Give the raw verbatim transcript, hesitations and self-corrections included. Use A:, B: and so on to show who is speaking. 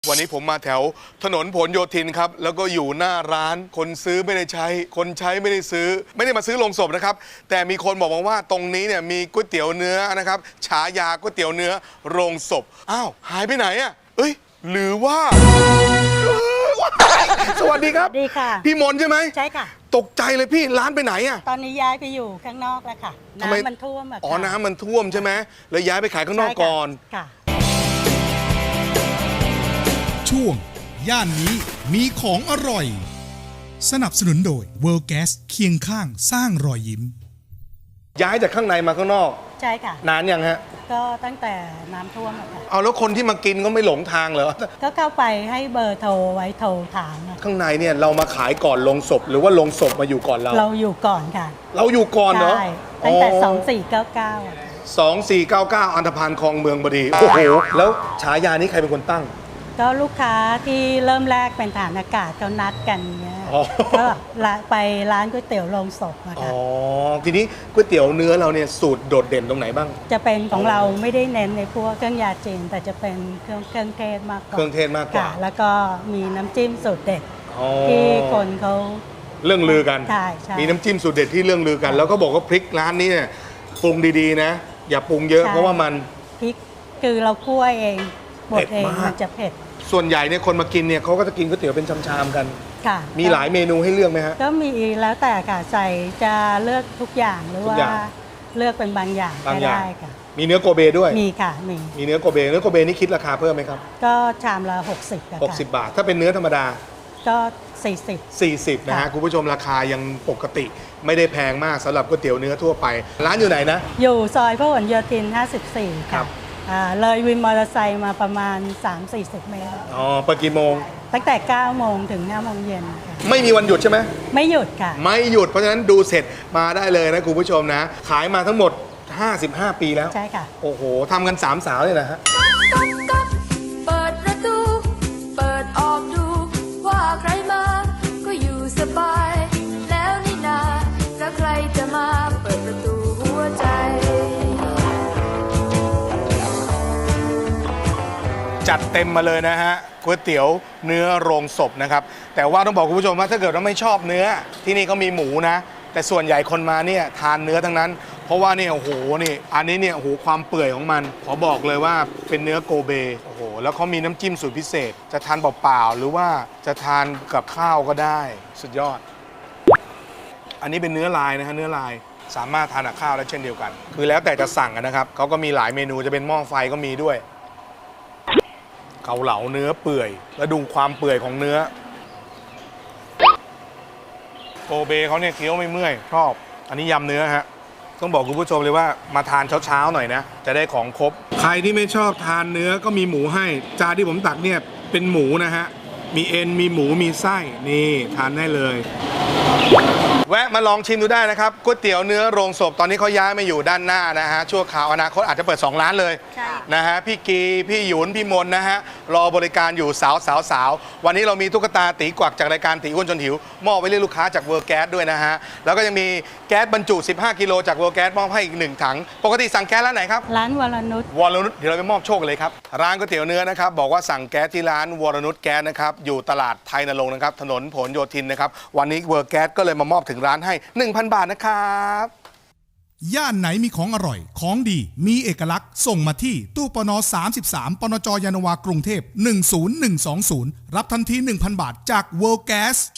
A: วันนี้ผมมาแถวถนนผลโยธินครับแล้วก็อยู่หน้าร้านคนซื้อไม่ได้ใช้ คนใช้ไม่ได้ซื้อ ไม่ได้มาซื้อลงศพนะครับแต่มีคนบอกมาว่าตรงนี้เนี่ยมีก๋วยเตี๋ยวเนื้อนะครับฉายาก๋วยเตี๋ยวเนื้อโรงศพอ้าวหายไปไหนอ่ะเอ้ยหรือว่าสวัสดีครับ
B: ดีค่ะ
A: พี่มนใช่ไหม
B: ใช่ค่ะ
A: ตกใจเลยพี่ร้านไปไหนอ่ะ
B: ตอนนี้ย้ายไปอยู่ข้างนอกแล้วค่ะ
A: ทำไม
B: น้ำมันท่วมอะค่ะ
A: อ๋อน้ำมันท่วมใช่ไหมเลยย้ายไปขายข้างนอกก่อน
B: ค่ะ
C: ช่วงย่านนี้มีของอร่อยสนับสนุนโดย World Gas เคียงข้างสร้างรอยยิ้ม
A: ย้ายจากข้างในมาข้างนอก
B: ใช่ค่ะ
A: นานยังฮะ
B: ก็ตั้งแต่น้ำท่วมอะค่ะ
A: เอาแล้วคนที่มากินก็ไม่หลงทางเหรอ
B: ก็เข้าไปให้เบอร์โทรไว้โทรถามอะ
A: ข้างในเนี่ยเรามาขายก่อนลงศพหรือว่าลงศพมาอยู่ก่อนเรา
B: เราอยู่ก่อนค่ะ
A: เราอยู่ก่อนเหรอ
B: ใช่ตั้งแต่สองสี่เก้าเก้าอะค่ะ
A: สองสี่เก้าเก้าอันธพาลคลองเมืองบดีโอ้โหแล้วฉายานี้ใครเป็นคนตั้ง
B: ก็ลูกค้าที่เริ่มแรกเป็นฐานอากาศเขานัดกันเงี้ย
A: อ๋อ
B: ก็ละไปร้านก๋วยเตี๋ยวโรงศพอะ
A: อ๋
B: ค่ะ
A: อทีนี้ก๋วยเตี๋ยวเนื้อเราเนี่ยสูตรโดดเด่นตรงไหนบ้าง
B: จะเป็นของเราไม่ได้เน้นในพวกเครื่องยาจีนแต่จะเป็นเครื่องเครื่องเทศมากกว่า
A: เครื่องเทศมากกว่า
B: ค่ะแล้วก็มีน้ำจิ้มสูตรเด็ด
A: อ๋อ
B: ที่คนเขา
A: เรื่องลือกัน
B: ใช่ใช่
A: มีน้ำจิ้มสูตรเด็ดที่เรื่องลือกัน แล้วก็บอกว่าพริกร้านนี้เนี่ยปรุงดีๆนะ อย่าปรุงเยอะเพราะว่ามัน
B: พริกคือเราคั่วเองบดเอง
A: เผ็ดมาก
B: มันจะเผ็ด
A: ส่วนใหญ่เนี่ยคนมากินเนี่ยเขาก็จะกินก๋วยเตี๋ยวเป็นชามๆกัน
B: ค่ะ
A: มีหลายเมนูให้เลือกไหมฮะ
B: ก็มีแล้วแต่ค่ะใส่จะเลือกทุกอย่างหรือ
A: ทุก
B: ว่า
A: อย่าง
B: เลือกเป็นบางอย่าง
A: บาง
B: ก็
A: อย่าง
B: ได้ค่ะ
A: มีเนื้อโกเบด้วย
B: มีค่ะมี
A: มีเนื้อโกเบเนื้อโกเบนี่คิดราคาเพิ่มไหมครับ
B: ก็ชามละหกสิบค่ะ
A: หกสิบบาท ถ้าเป็นเนื้อธรรมดา
B: ก็สี่สิบ
A: สี่สิบนะฮะ
B: ค่ะ
A: คุณผู้ชมราคายังปกติไม่ได้แพงมากสำหรับก๋วยเตี๋ยวเนื้อทั่วไป ร้านอยู่ไหนนะ
B: อยู่ซอยพหลโยธินห้าสิบสี่
A: ครั
B: ค่ะ
A: บ
B: อ่าเลยวินมอเตอร์ไซค์มาประมาณ สามสี่สิบ เมตร
A: อ๋อเปิดกี่โมง
B: ตั้งแต่เก้าโมงถึงห้าโมงเย็นค่ะ
A: ไม่มีวันหยุดใช่ไหม
B: ไม่หยุดค่ะ
A: ไม่หยุดเพราะฉะนั้นดูเสร็จมาได้เลยนะคุณผู้ชมนะ ขายมาทั้งหมด ห้าสิบห้า ปีแล้ว
B: ใช่ค่ะ
A: โอ้โหทำกันสามสาวเลยนะฮะ
D: ก๊อกก๊อกเปิดประตู เปิดออกดู ว่าใครมา ก็อยู่สบาย แล้วนี่นาแล้วใครจะมาเปิดประตูหัวใจ
A: จัดเต็มมาเลยนะฮะก๋วยเตี๋ยวเนื้อโรงศพนะครับแต่ว่าต้องบอกคุณผู้ชมว่าถ้าเกิดว่าไม่ชอบเนื้อที่นี่เขามีหมูนะ แต่ส่วนใหญ่คนมาเนี่ยทานเนื้อทั้งนั้น เพราะว่าเนี่ยโอ้โหนี่อันนี้เนี่ยโอ้โหความเปื่อยของมันขอบอกเลยว่าเป็นเนื้อโกเบโอ้โหแล้วเขามีน้ำจิ้มสูตรพิเศษ จะทานเปล่าๆหรือว่าจะทานกับข้าวก็ได้สุดยอด อันนี้เป็นเนื้อลายนะฮะเนื้อลายสามารถทานกับข้าวได้เช่นเดียวกัน คือแล้วแต่จะสั่งอะนะครับเขาก็มีหลายเมนูจะเป็นหม้อไฟก็มีด้วย เกาเหลาเนื้อเปื่อยแล้วดูความเปื่อยของเนื้อโกเบเขาเนี่ยเคี้ยวไม่เมื่อยชอบอันนี้ยำเนื้อฮะต้องบอกคุณผู้ชมเลยว่ามาทานเช้าๆหน่อยนะจะได้ของครบใครที่ไม่ชอบทานเนื้อก็มีหมูให้จานที่ผมตักเนี่ยเป็นหมูนะฮะมีเอ็นมีหมูมีไส้นี่ทานได้เลยแวะมาลองชิมดูได้นะครับก๋วยเตี๋ยวเนื้อโรงศพตอนนี้เขาย้ายมาอยู่ด้านหน้านะฮะชั่วคราวอนาคตอาจจะเปิดสองร้านเลย
B: ใช่
A: นะฮะพี่กีพี่หยุนพี่มนนะฮะรอบริการอยู่สาวสาวสาววันนี้เรามีตุ๊กตาตีกวักจากรายการตีอ้วนจนหิวมอบไว้เรียกลูกค้าจากเวิร์แก๊สด้วยนะฮะแล้วก็ยังมีแก๊สบรรจุสิบห้ากิโลจากเวิร์แก๊สมอบให้อีกหนึ่งถังปกติสั่งแก๊สร้านไหนครับ
B: ร้านวรนุช
A: วรนุชเดี๋ยวเราไปมอบโชคกันเลยครับร้านก๋วยเตี๋ยวเนื้อนะครับบอกว่าสั่งแก๊สที่ร้านวรนุชแก๊สนะครับอยู่ตลาดไทยนรงค์นะครับถนนผลโยธินนะครับวันนี้เวิร์แก๊สก็เลยมามอบถึงร้านให้ หนึ่งพัน บาทนะครับ
C: ย่านไหนมีของอร่อย ของดี มีเอกลักษณ์ ส่งมาที่ตู้ปนสามสิบสามปนจยานนาวากรุงเทพหนึ่งศูนย์หนึ่งสองศูนย์รับทันที หนึ่งพัน บาทจาก World Gas